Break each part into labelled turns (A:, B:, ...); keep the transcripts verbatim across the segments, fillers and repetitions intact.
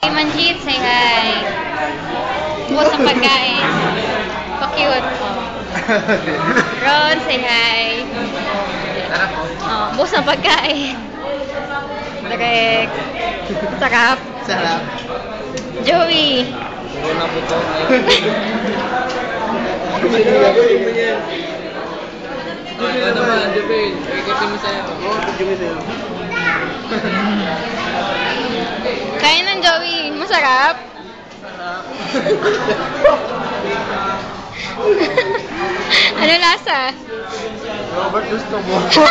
A: Manjit, say hi. Bukas ng pagkain. Pa-cute. Oh. Ron, say hi. Oh, bukas ng pagkain. Direk. Sarap.
B: Sarap.
A: Joey.
B: Puro na po ito. Ano naman, Joey? Ikaw mo sa'yo. Oo, Joey sa'yo.
A: Kain ng Joey. Masarap?
B: Sarap.
A: Ano lasa?
B: Robert, gusto mo.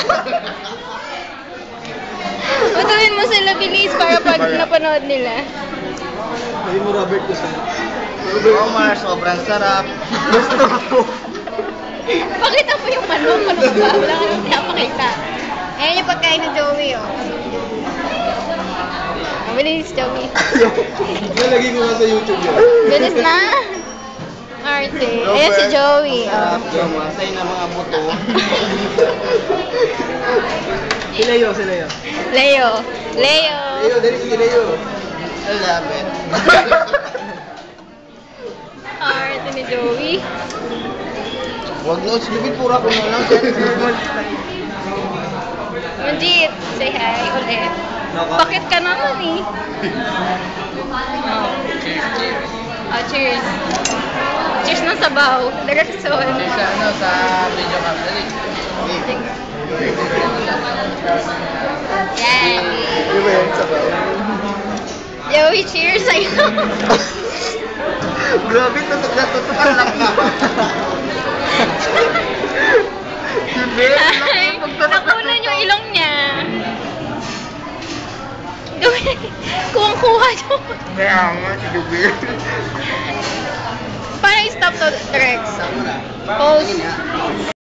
A: Patuloy mo sila bilis para pag napanood nila.
B: Hindi mo Robert gusto mo. Omar, sobrang sarap. Gusto mo.
A: Pakita mo yung manok. Ano ba? Wala ka nang pinapakita. Ayan yung pagkain ng Joey, oh. Bilis, Joey.
B: Nalagay ko nga sa YouTube yun.
A: Bilis na. Arte. Ayan si Joey, oh.
B: Masay na mga buto. Si Leo, si Leo.
A: Leo. Leo.
B: Leo, dali si Leo. I love it.
A: Arte ni Joey.
B: Huwag na, sige, pura ko na lang.
A: Manjit, say hi ulit. Bakit ka naman eh? Oh.
B: Cheers, cheers.
A: Oh, cheers. Cheers ng sabaw. Direksyon.
B: Cheers sa ano, sa video cam. Dali.
A: Yan.
B: Di ba yan, sabaw?
A: Joey, cheers sa'yo.
B: Grabe, tutok na tutok ang laki. Hindi,
A: Ay, nakunan yung ilong niya. Kuwang-kuha yun.
B: Kaya nga, si Jubir.
A: Paano i-stop to, Rex? Pause.